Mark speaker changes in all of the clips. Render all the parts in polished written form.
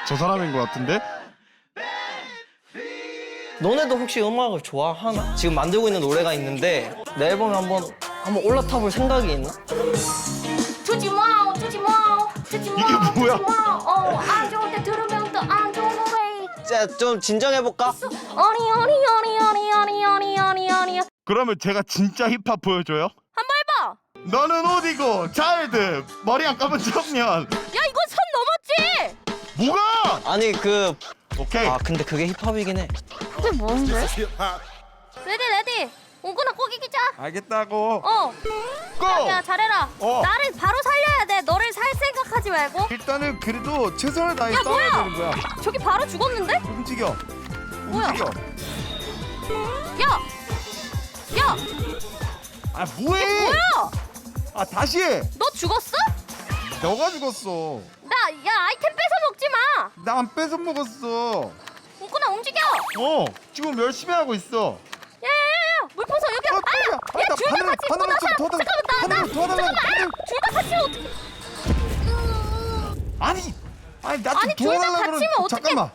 Speaker 1: 저 사람인 것 같은데?
Speaker 2: 너네도 혹시 음악을 좋아하나? 지금 만들고 있는 노래가 있는데 내 앨범에 한번 올라타 볼 생각이 있나?
Speaker 3: 주지 마, 주지 마, 주지 마.
Speaker 1: 이게 뭐야?
Speaker 3: 주지 마. 안 좋을 때 들으면 또 안 좋은 노래.
Speaker 2: 자, 좀 진정해볼까?
Speaker 3: 아니.
Speaker 1: 그러면 제가 진짜 힙합 보여줘요?
Speaker 3: 한번 해봐.
Speaker 1: 너는 어디고 차일드 머리 안 감은 청년.
Speaker 3: 야, 이건 선 넘었지?
Speaker 1: 뭐가?
Speaker 2: 아니
Speaker 1: 오케이.
Speaker 2: 근데 그게 힙합이긴 해.
Speaker 3: 그게 뭔데? 레디. 옹구나 꼭 이기자.
Speaker 1: 알겠다고. 고!
Speaker 3: 야, 잘해라. 나를 바로 살려야 돼. 너를 살 생각하지 말고.
Speaker 1: 일단은 그래도 최선을 다해
Speaker 3: 야,
Speaker 1: 싸워야
Speaker 3: 뭐야?
Speaker 1: 되는 거야.
Speaker 3: 저기 바로 죽었는데?
Speaker 1: 움직여.
Speaker 3: 뭐야?
Speaker 1: 움직여.
Speaker 3: 야,
Speaker 1: 아 뭐해?
Speaker 3: 뭐야?
Speaker 1: 아 다시 해.
Speaker 3: 너 죽었어?
Speaker 1: 너가 죽었어.
Speaker 3: 야, 아이템 뺏어 먹지 마.
Speaker 1: 나 안 뺏어 먹었어.
Speaker 3: 옹구나 움직여.
Speaker 1: 지금 열심히 하고 있어.
Speaker 3: 야, 물풍선 여기. 야, 둘 다 같이
Speaker 1: 하늘을 좀
Speaker 3: 잠깐만,
Speaker 1: 하늘을 도와달라고.
Speaker 3: 둘 다 같이 어떻게?
Speaker 1: 아니 나 좀
Speaker 3: 아니, 둘다
Speaker 1: 도와달라고
Speaker 3: 같이면
Speaker 1: 그러는.
Speaker 3: 어떡해.
Speaker 1: 잠깐만.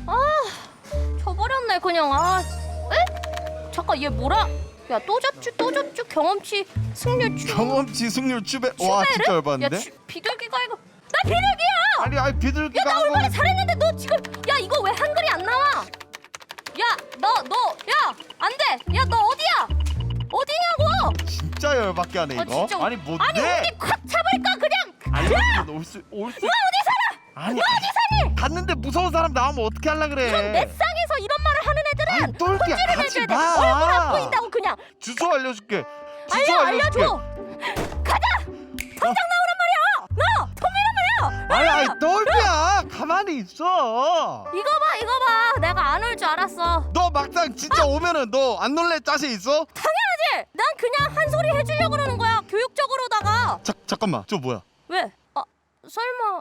Speaker 3: 져버렸네 그냥. 에? 잠깐 얘 뭐라? 야, 또 접주 경험치 승률
Speaker 1: 경험치 승률 추배. 와 진짜
Speaker 3: 야,
Speaker 1: 열받는데?
Speaker 3: 비둘기가 이거. 나 비둘기야.
Speaker 1: 아니 비둘기가
Speaker 3: 야, 나
Speaker 1: 한
Speaker 3: 얼마나
Speaker 1: 거는
Speaker 3: 잘했는데 너 지금. 야, 이거 왜 한글이 안 나와? 야, 야, 안 돼. 야, 너 어디야? 어디냐고?
Speaker 1: 진짜 열받게 하네 이거.
Speaker 3: 진짜.
Speaker 1: 아니 뭔데?
Speaker 3: 아니, 우리 콱 잡을까 그냥.
Speaker 1: 아니
Speaker 3: 야,
Speaker 1: 올수
Speaker 3: 너 어디 살아?
Speaker 1: 아니
Speaker 3: 너 어디 사니?
Speaker 1: 갔는데 무서운 사람 나오면 어떻게 할라 그래?
Speaker 3: 이런 넷상에서 이런 말을 하는 애들은
Speaker 1: 아니, 똘끼야,
Speaker 3: 혼쭐을
Speaker 1: 가지
Speaker 3: 내줘야 돼.
Speaker 1: 마.
Speaker 3: 얼굴 안 보인다고 그냥.
Speaker 1: 주소 알려줄게. 주소
Speaker 3: 알려줘. 가자. 당장
Speaker 1: 어?
Speaker 3: 나오란 말이야. 너 토미란 말이야.
Speaker 1: 아니 똘끼야 가만히 있어.
Speaker 3: 이거 봐. 내가 안 올 줄 알았어.
Speaker 1: 너 막상 진짜 오면은 너 안 놀래 자신 있어?
Speaker 3: 당연하지. 난 그냥 한 소리 해주려고 그러는 거야. 교육적으로다가.
Speaker 1: 잠깐만 저 뭐야?
Speaker 3: 왜? 설마.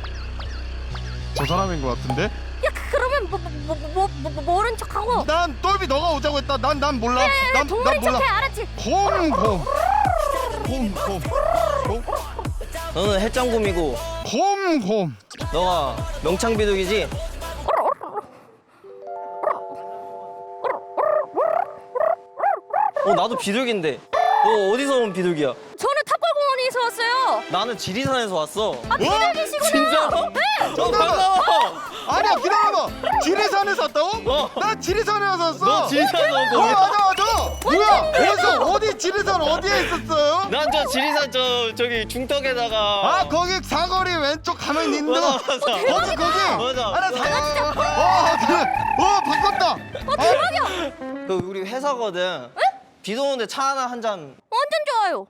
Speaker 1: 저 사람인 것 같은데?
Speaker 3: 야, 그러면 모른 척하고.
Speaker 1: 난 똘비 너가 오자고 했다. 난 몰라. 난
Speaker 3: 동물인
Speaker 1: 몰라.
Speaker 3: 척해, 알았지?
Speaker 1: 곰.
Speaker 2: 너는 해장곰이고
Speaker 1: 곰.
Speaker 2: 너가 명창비둘기지? 나도 비둘기인데 너 어디서 온 비둘기야?
Speaker 3: 저는 탑골공원에서 왔어요.
Speaker 2: 나는 지리산에서 왔어.
Speaker 3: 비둘기시구나.
Speaker 2: 진짜로?
Speaker 3: 네.
Speaker 2: 반가워.
Speaker 1: 아니야 기다려봐. 지리산에서 왔다고?
Speaker 2: 어.
Speaker 1: 나 지리산에 와서 왔어.
Speaker 2: 너 지리산 온 거야?
Speaker 1: 맞아. 뭐야? 어디 지리산 어디에 있었어요?
Speaker 2: 난 저 지리산 저기 중턱에다가
Speaker 1: 거기 사거리 왼쪽 가면 있는
Speaker 2: 맞아.
Speaker 1: 거기
Speaker 2: 맞아.
Speaker 1: 알아 그래 바꿨다.
Speaker 3: 대박이야.
Speaker 2: 그 우리 회사거든. 비도 오는데 차 하나 한 잔.
Speaker 3: 완전 좋아요.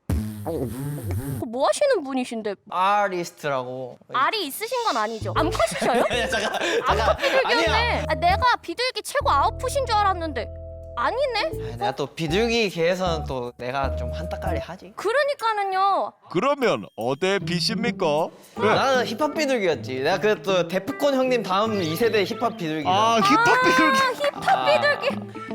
Speaker 3: 뭐 하시는 분이신데?
Speaker 2: 아리스트라고.
Speaker 3: 알이 있으신 건 아니죠? 암컷이셔요?
Speaker 2: 야, 잠깐.
Speaker 3: 암컷 비둘기였네. 내가 비둘기 최고 아웃풋인 줄 알았는데 아니네.
Speaker 2: 내가 또 비둘기 계에서는 또 내가 좀 한따까리 하지.
Speaker 3: 그러니까는요.
Speaker 1: 그러면 어디 빛입니까?
Speaker 2: 나는 힙합 비둘기였지. 내가 그또 데프콘 형님 다음 2세대 힙합 비둘기.
Speaker 1: 힙합 비둘기.
Speaker 3: 힙합 비둘기.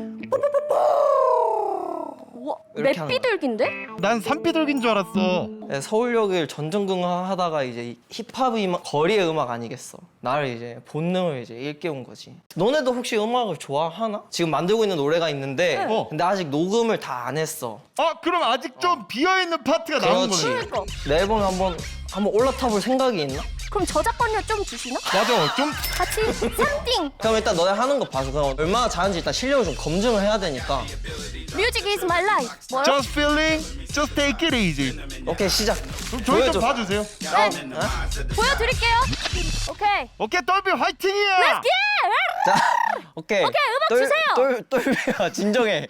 Speaker 3: 우와,
Speaker 2: 이렇게 하는
Speaker 3: 맵비둘기인데?
Speaker 1: 난 산비둘기인 줄 알았어.
Speaker 2: 서울역을 전전긍긍하다가 이제 힙합이 거리의 음악 아니겠어. 나를 이제 본능을 이제 일깨운 거지. 너네도 혹시 음악을 좋아하나? 지금 만들고 있는 노래가 있는데 근데 아직 녹음을 다 안 했어.
Speaker 1: 그럼 아직 좀 비어있는 파트가 남은
Speaker 2: 그렇지.
Speaker 1: 거네.
Speaker 3: 그러니까.
Speaker 2: 내 앨범에 한번 올라타 볼 생각이 있나?
Speaker 3: 그럼 저작권료 좀 주시나?
Speaker 1: 맞아 좀
Speaker 3: 같이 쌈띵.
Speaker 2: 그럼 일단 너네 하는 거 봐서 그럼 얼마나 잘하는지 일단 실력을 좀 검증을 해야 되니까.
Speaker 3: Music is my life. 뭐요?
Speaker 1: just feeling, just take it easy.
Speaker 2: 오케이 시작.
Speaker 1: 그럼 저희
Speaker 2: 보여줘.
Speaker 1: 좀 봐주세요.
Speaker 3: 보여드릴게요. 오케이.
Speaker 1: 오케이 똘비 화이팅이야.
Speaker 3: Let's get.
Speaker 2: 자, 오케이.
Speaker 3: 오케이, 음악 주세요.
Speaker 2: 똘비야 진정해.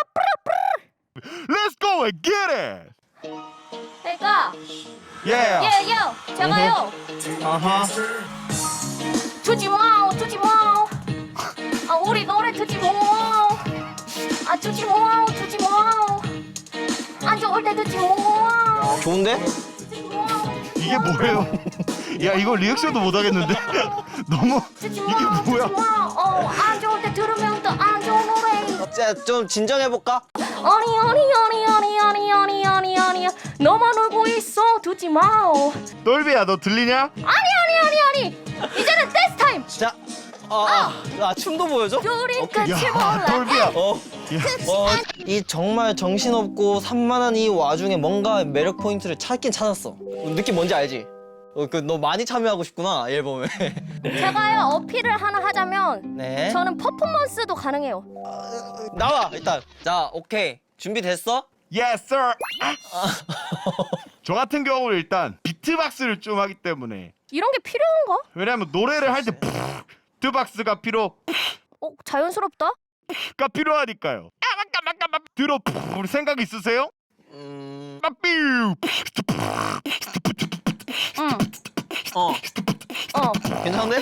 Speaker 1: Let's go and get it.
Speaker 3: 그러니까
Speaker 1: Yeah.
Speaker 3: 예요. 제가요.
Speaker 1: 아하.
Speaker 3: 주지 마. 우리 노래 듣지 마. 주지 마. 안 좋을 때 듣지 마.
Speaker 2: 좋은데?
Speaker 1: 이게 뭐예요? 야 이거 리액션도 못 하겠는데. 너무
Speaker 3: 듣지
Speaker 1: 이게
Speaker 3: 마.
Speaker 1: 뭐야?
Speaker 3: 안 좋을 때 들으면 또 안 좋은 노래.
Speaker 2: 자, 좀 진정해 볼까?
Speaker 3: 아니. 너만 울고 있어. 듣지 마.
Speaker 1: 똘비야 너 들리냐?
Speaker 3: 아니. 이제는 댄스
Speaker 2: 자, 춤도 보여줘?
Speaker 3: 우리
Speaker 2: 오케이.
Speaker 3: 끝이
Speaker 1: 야,
Speaker 3: 몰라.
Speaker 1: 돌비야.
Speaker 2: 이 정말 정신없고 산만한 이 와중에 뭔가 매력 포인트를 찾긴 찾았어. 느낌 뭔지 알지? 너 많이 참여하고 싶구나, 이 앨범에.
Speaker 3: 제가요 어필을 하나 하자면
Speaker 2: 네.
Speaker 3: 저는 퍼포먼스도 가능해요.
Speaker 2: 나와, 일단. 자, 오케이. 준비됐어?
Speaker 1: Yes, sir. 저 같은 경우는 일단 비트박스를 좀 하기 때문에
Speaker 3: 이런 게 필요한가?
Speaker 1: 왜냐면 노래를 할 때 비트박스가
Speaker 3: 자연스럽다.
Speaker 1: 필요하니까요. 들어 생각 있으세요? 빠삐우.
Speaker 3: 응.
Speaker 2: 어. 괜찮은데?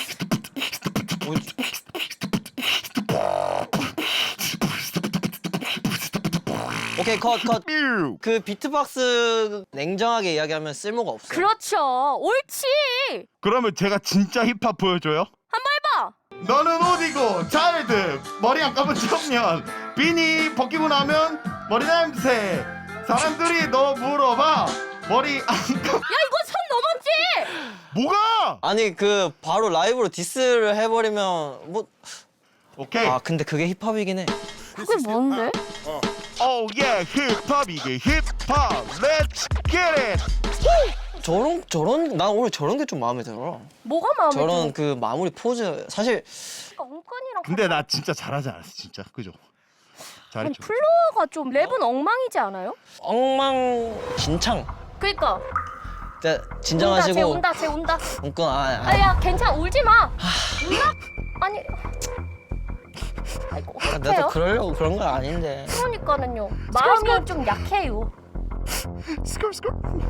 Speaker 2: 오케이, 컷.
Speaker 1: 삐우.
Speaker 2: 그 비트박스 냉정하게 이야기하면 쓸모가 없어.
Speaker 3: 그렇죠. 옳지.
Speaker 1: 그러면 제가 진짜 힙합 보여줘요?
Speaker 3: 한번 해봐.
Speaker 1: 너는 어디고 차일드 머리 안 감은 청년 비니 벗기고 나면 머리 냄새 사람들이 너 물어봐 머리 안 감...
Speaker 3: 야 이거 선 넘었지.
Speaker 1: 뭐가?
Speaker 2: 아니 그 바로 라이브로 디스를 해버리면 뭐.
Speaker 1: 오케이.
Speaker 2: 아 근데 그게 힙합이긴 해.
Speaker 3: 그게 뭔데?
Speaker 1: 오 예 힙합 이게 힙합 Let's get it.
Speaker 2: 저런 난 오늘 저런 게 좀 마음에 들어.
Speaker 3: 뭐가 마음에 들어?
Speaker 2: 저런 그 마무리 포즈 사실
Speaker 3: 엉건이랑
Speaker 1: 근데 나 진짜 잘하지 않았어 진짜 그죠?
Speaker 3: 아니
Speaker 1: 잘했죠.
Speaker 3: 플로어가 좀 랩은 엉망이지 않아요?
Speaker 2: 엉망진창.
Speaker 3: 그니까
Speaker 2: 자, 진정하시고.
Speaker 3: 온다 쟤 온다.
Speaker 2: 웃건
Speaker 3: 아야 괜찮아 울지 마. 울나? 아니 아이고
Speaker 2: 나도
Speaker 3: 어떡해요?
Speaker 2: 그러려고 그런 건 아닌데.
Speaker 3: 그러니까는요 마음이 좀 약해요.
Speaker 1: 스컬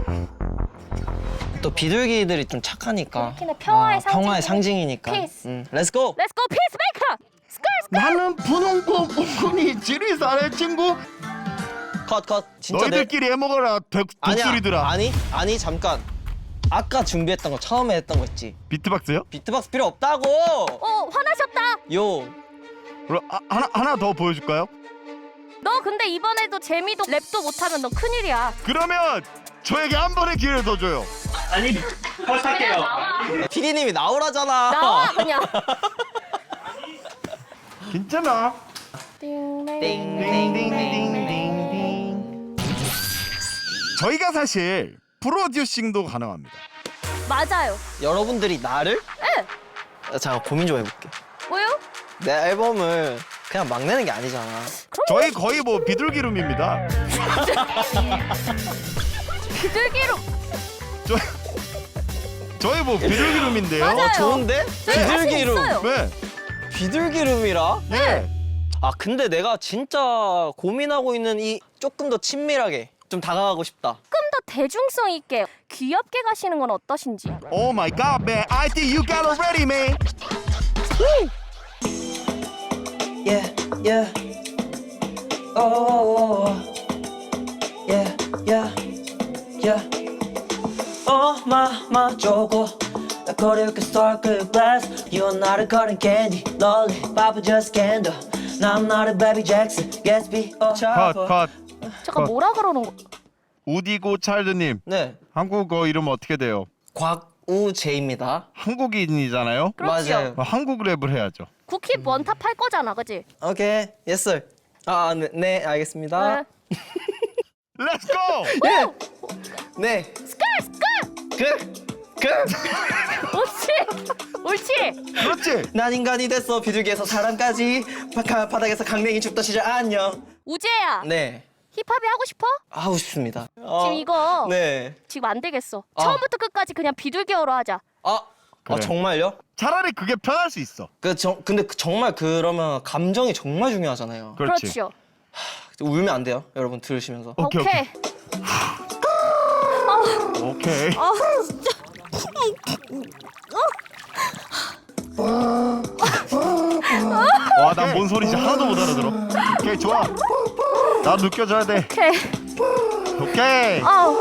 Speaker 2: 또 비둘기들이 좀 착하니까.
Speaker 3: 그렇긴 해. 평화의
Speaker 2: 평화의
Speaker 3: 상징이니까.
Speaker 2: 상징이니까.
Speaker 3: Peace.
Speaker 2: 렛츠고.
Speaker 3: Let's go peacemaker.
Speaker 1: 나는 분홍고 뽕콩이 지리산의 친구
Speaker 2: 컷. 진짜
Speaker 1: 너희들끼리 해먹어라 독수리들아.
Speaker 2: 아니 잠깐. 아까 준비했던 거 처음에 했던 거 있지.
Speaker 1: 비트박스요?
Speaker 2: 비트박스 필요 없다고.
Speaker 3: 화나셨다.
Speaker 2: 요.
Speaker 1: 그럼 하나 더 보여줄까요?
Speaker 3: 너 근데 이번에도 재미도 랩도 못하면 너 큰일이야.
Speaker 1: 그러면 저에게 한 번의 기회를 더 줘요.
Speaker 4: 아니 컷할게요.
Speaker 2: 피디님이 나오라잖아.
Speaker 3: 나와 그냥.
Speaker 1: 괜찮아.
Speaker 2: 띵띵띵띵띵.
Speaker 1: 저희가 사실 프로듀싱도 가능합니다.
Speaker 3: 맞아요.
Speaker 2: 여러분들이 나를?
Speaker 3: 네.
Speaker 2: 잠깐 고민 좀 해볼게.
Speaker 3: 뭐요?
Speaker 2: 내 앨범을 그냥 막 내는 게 아니잖아.
Speaker 1: 저희 거의 뭐 비둘기룸입니다.
Speaker 3: 비둘기로.
Speaker 1: 저희 뭐 비둘기룸인데요.
Speaker 3: 맞아요.
Speaker 2: 좋은데? 비둘기룸.
Speaker 3: 있어요.
Speaker 1: 네.
Speaker 2: 비둘기룸이라?
Speaker 1: 예.
Speaker 2: 아 근데 내가 진짜 고민하고 있는 이 조금 더 친밀하게 좀 다가가고 싶다.
Speaker 3: 조금 더 대중성 있게 귀엽게 가시는 건 어떠신지.
Speaker 1: Oh my god, man. I think you got it ready, man.
Speaker 2: Yeah. Oh. Yeah. 저거 나 거리게 sparkle glass. You are not a cotton candy. Lollipop just candle. Now I'm not a baby Jackson. Gatsby or Chopper.
Speaker 1: 컷.
Speaker 3: 잠깐 뭐라 그러는 거?
Speaker 1: 우디고 찰드님.
Speaker 2: 네.
Speaker 1: 한국어 이름 어떻게 돼요?
Speaker 2: 곽우재입니다.
Speaker 1: 한국인이잖아요.
Speaker 3: 그렇지요.
Speaker 2: 맞아요.
Speaker 1: 한국 랩을 해야죠.
Speaker 3: 쿠키 원탑 할 거잖아, 그지?
Speaker 2: 오케이. Yes sir. 네, 알겠습니다.
Speaker 1: Let's go.
Speaker 2: 네.
Speaker 3: 스컬. 옳지.
Speaker 1: 그렇지.
Speaker 2: 난 인간이 됐어. 비둘기에서 사람까지. 바닥에서 강냉이 죽던 시절 안녕.
Speaker 3: 우재야.
Speaker 2: 네.
Speaker 3: 힙합이 하고 싶어?
Speaker 2: 하고 싶습니다.
Speaker 3: 지금 이거
Speaker 2: 네.
Speaker 3: 지금 안 되겠어. 처음부터 끝까지 그냥 비둘기어로 하자.
Speaker 1: 그래.
Speaker 2: 정말요?
Speaker 1: 차라리 그게 편할 수 있어.
Speaker 2: 근데 정말 그러면 감정이 정말 중요하잖아요.
Speaker 1: 그렇지.
Speaker 3: 그렇죠.
Speaker 2: 울면 안 돼요, 여러분 들으시면서.
Speaker 1: 오케이. 와, 난 뭔 소리인지 하나도 못 알아들어. 오케이, 좋아. 나 느껴져야 돼. 오케이.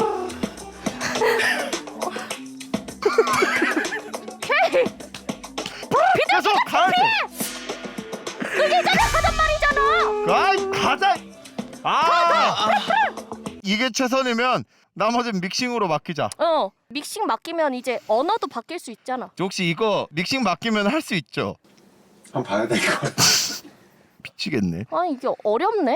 Speaker 1: 계속 가야 돼.
Speaker 3: 그게 자작하단 말이잖아.
Speaker 1: 아이, 가자. 이게 최선이면 나머지는 믹싱으로 맡기자.
Speaker 3: 믹싱 맡기면 이제 언어도 바뀔 수 있잖아.
Speaker 1: 혹시 이거 믹싱 맡기면 할 수 있죠?
Speaker 5: 한번 봐야 될 것 같아.
Speaker 1: 미치겠네.
Speaker 3: 아 이게 어렵네.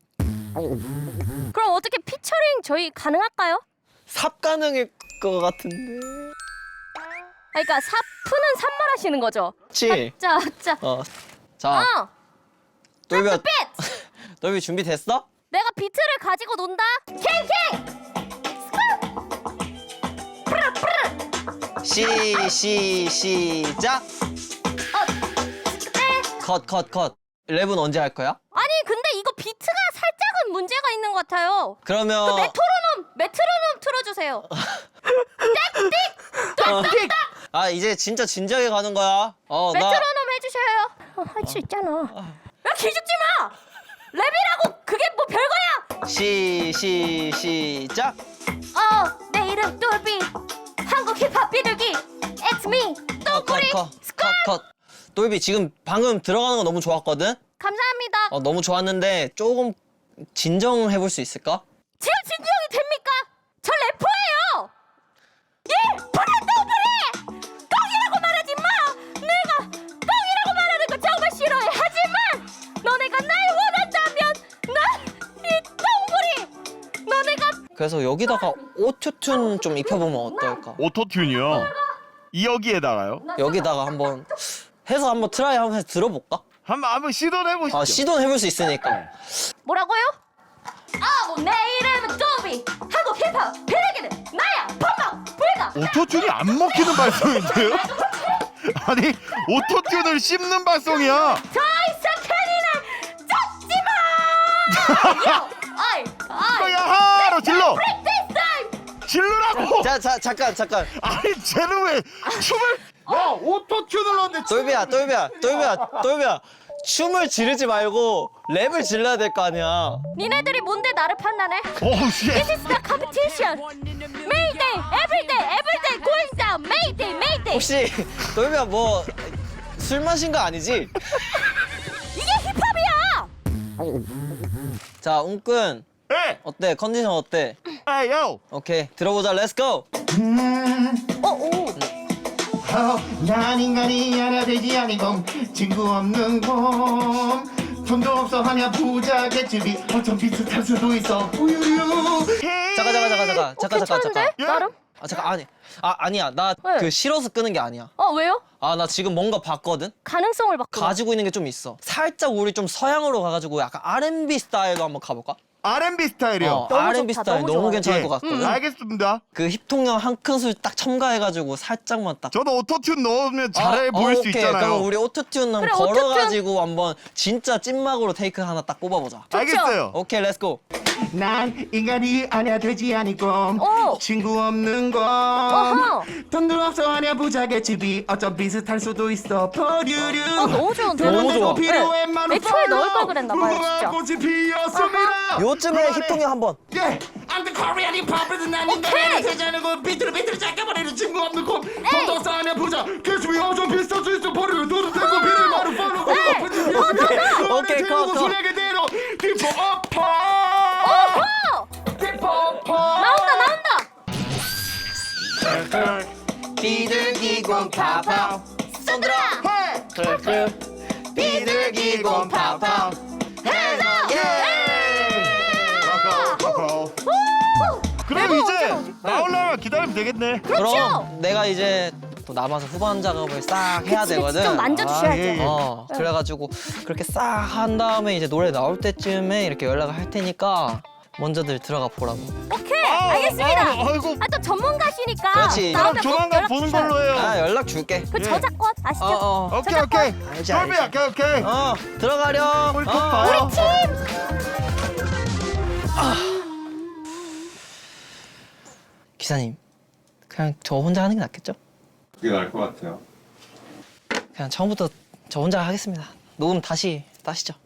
Speaker 3: 그럼 어떻게 피처링 저희 가능할까요?
Speaker 2: 삽 가능일 것 같은데.
Speaker 3: 그러니까 사프는 산말하시는 거죠?
Speaker 2: 그치?
Speaker 3: 자.
Speaker 2: 자, 돌비,
Speaker 3: 렛츠 빗!
Speaker 2: 돌비 준비됐어?
Speaker 3: 내가 비트를 가지고 논다. 캥캥!
Speaker 2: 시작.
Speaker 3: 네.
Speaker 2: 컷. 랩은 언제 할 거야?
Speaker 3: 아니 근데 이거 비트가 살짝은 문제가 있는 것 같아요.
Speaker 2: 그러면
Speaker 3: 메트로놈 틀어주세요.
Speaker 2: 아 이제 진짜 진지하게 가는 거야. 나
Speaker 3: 메트로놈 해주셔요. 할 수 있잖아. 야 기죽지 마. 랩이라고 그게 뭐 별거야.
Speaker 2: 시작.
Speaker 3: 내 이름 똘비. 한국 힙합 비둘기. It's me. 똘꼬리.
Speaker 2: 컷. 돌비 지금 방금 들어가는 거 너무 좋았거든?
Speaker 3: 감사합니다.
Speaker 2: 너무 좋았는데 조금 진정해 볼 수 있을까?
Speaker 3: 지금 진정이 됩니까? 저 래퍼예요. 예, 똥이라고 말하지 마. 내가 똥이라고 말하는 거 정말 싫어해. 하지만 너네가 날 원한다면 난 이 똥구리. 너네가
Speaker 2: 그래서 여기다가 오토튠 좀 입혀보면 어떨까?
Speaker 1: 오토튠이요. 여기에다가요?
Speaker 2: 여기다가 한번 해서 한번 트라이 한번 해서 들어볼까?
Speaker 1: 한번 시도를 해보시죠.
Speaker 2: 시도는 해볼 수 있으니까.
Speaker 3: 뭐라고요? 내 이름은 똘비. 한국 힙합 비둘기는 나야. 펑펑 불가.
Speaker 1: 오토튠이 안 먹히는 발성인데요? 아니 오토튠을 씹는 발성이야.
Speaker 3: 더 이상 캐니를 잡지 마.
Speaker 1: 야하로 질러.
Speaker 3: This time.
Speaker 1: 질르라고.
Speaker 2: 자, 잠깐.
Speaker 1: 아니 쟤는 왜 춤을? 야 오토튠을 넣는데
Speaker 2: 돌비야. 춤을 지르지 말고 랩을 질러야 될 거 아니야.
Speaker 3: 니네들이 뭔데 나를 판단해?
Speaker 1: 오우 씨.
Speaker 3: This is the competition. Mayday, everyday going down. Mayday.
Speaker 2: 혹시 돌비야 뭐 술 마신 거 아니지?
Speaker 3: 이게 힙합이야.
Speaker 2: 자, 웅꾼
Speaker 1: 에.
Speaker 2: 어때? 컨디션 어때?
Speaker 1: 에요.
Speaker 2: 오케이, 들어보자. 렛츠 고.
Speaker 1: 난 인간이 하나 되지 않은 건 친구 없는 건 돈도 없어 하냐 부자 개집이 어쩜 비슷할 수도 있어 우유유.
Speaker 2: 잠깐.
Speaker 3: 괜찮은데?
Speaker 1: 예?
Speaker 3: 나름?
Speaker 2: 아니야. 나
Speaker 3: 네.
Speaker 2: 그 싫어서 끄는 게 아니야.
Speaker 3: 왜요?
Speaker 2: 나 지금 뭔가 봤거든?
Speaker 3: 가능성을 바꿔.
Speaker 2: 가지고 있는 게 좀 있어. 살짝 우리 좀 서양으로 가가지고 약간 R&B 스타일로 한번 가볼까?
Speaker 1: R&B 스타일이요.
Speaker 3: 너무
Speaker 2: R&B
Speaker 3: 좋다,
Speaker 2: 스타일
Speaker 3: 너무
Speaker 2: 너무
Speaker 3: 좋아요.
Speaker 2: 괜찮을
Speaker 1: 예.
Speaker 2: 것 같거든?
Speaker 1: 알겠습니다.
Speaker 2: 그 힙통령 한 큰술 딱 첨가해가지고 살짝만 딱.
Speaker 1: 저도 오토튠 넣으면 잘해 보일 수
Speaker 2: 오케이.
Speaker 1: 있잖아요.
Speaker 2: 그럼 우리 오토튠 한번
Speaker 3: 그래,
Speaker 2: 걸어가지고 한번 진짜 찐막으로 테이크 하나 딱 뽑아보자.
Speaker 1: 알겠어요.
Speaker 2: 오케이, 렛츠고.
Speaker 1: 난 인간이 아냐 되지 않을 건
Speaker 3: 오.
Speaker 1: 친구 없는 건
Speaker 3: 어허.
Speaker 1: 돈도 없어 하냐 부자의 집이 어쩜 비슷할 수도 있어 버류류.
Speaker 3: 너무 좋은데?
Speaker 2: 너무 좋아.
Speaker 1: 필요해 많은
Speaker 3: 애초에 넣을 걸 그랬나 봐요, 진짜.
Speaker 1: 꽃이 피었습니다.
Speaker 2: 요즘에 힙통령 한번.
Speaker 1: 예, I'm the Korean hip hop에서 난 인간이 되지 않은 건 비트를 잡아버리는 친구 없는 건 돈도 없어 하냐 부자 개집이 어쩜 비슷할 수 있어 버류류 돈도 되고 비를 마루 팔로
Speaker 2: 오케이, 컷.
Speaker 1: 소리하게 대로 디포 어퍼.
Speaker 3: 나온다.
Speaker 2: 비둘기공 파파
Speaker 3: 손들어.
Speaker 2: 비둘기공 파파
Speaker 1: 그럼 이제 나오려면 기다리면 되겠네.
Speaker 2: 그럼 내가 이제 또 남아서 후반 작업을 싹 해야 되거든.
Speaker 3: 직접 만져주셔야죠.
Speaker 1: 예.
Speaker 2: 그래가지고 그렇게 싹 한 다음에 이제 노래 나올 때쯤에 이렇게 연락을 할 테니까 먼저들 들어가 보라고.
Speaker 3: 오케이, 알겠습니다.
Speaker 1: 아이고.
Speaker 3: 또 전문가시니까
Speaker 2: 그렇지.
Speaker 3: 나오면 꼭
Speaker 1: 조만간
Speaker 3: 연락
Speaker 1: 보는
Speaker 3: 주셔요.
Speaker 1: 걸로 해요.
Speaker 2: 연락 줄게.
Speaker 3: 그 저작권 아시죠?
Speaker 1: 오케이.
Speaker 2: 알지.
Speaker 1: 똘비야, 오케이.
Speaker 2: 들어가렴.
Speaker 1: 우리 꼭 봐요.
Speaker 2: 기사님, 그냥 저 혼자 하는 게 낫겠죠?
Speaker 5: 그게 나을 것 같아요.
Speaker 2: 그냥 처음부터 저 혼자 하겠습니다. 녹음 다시 따시죠.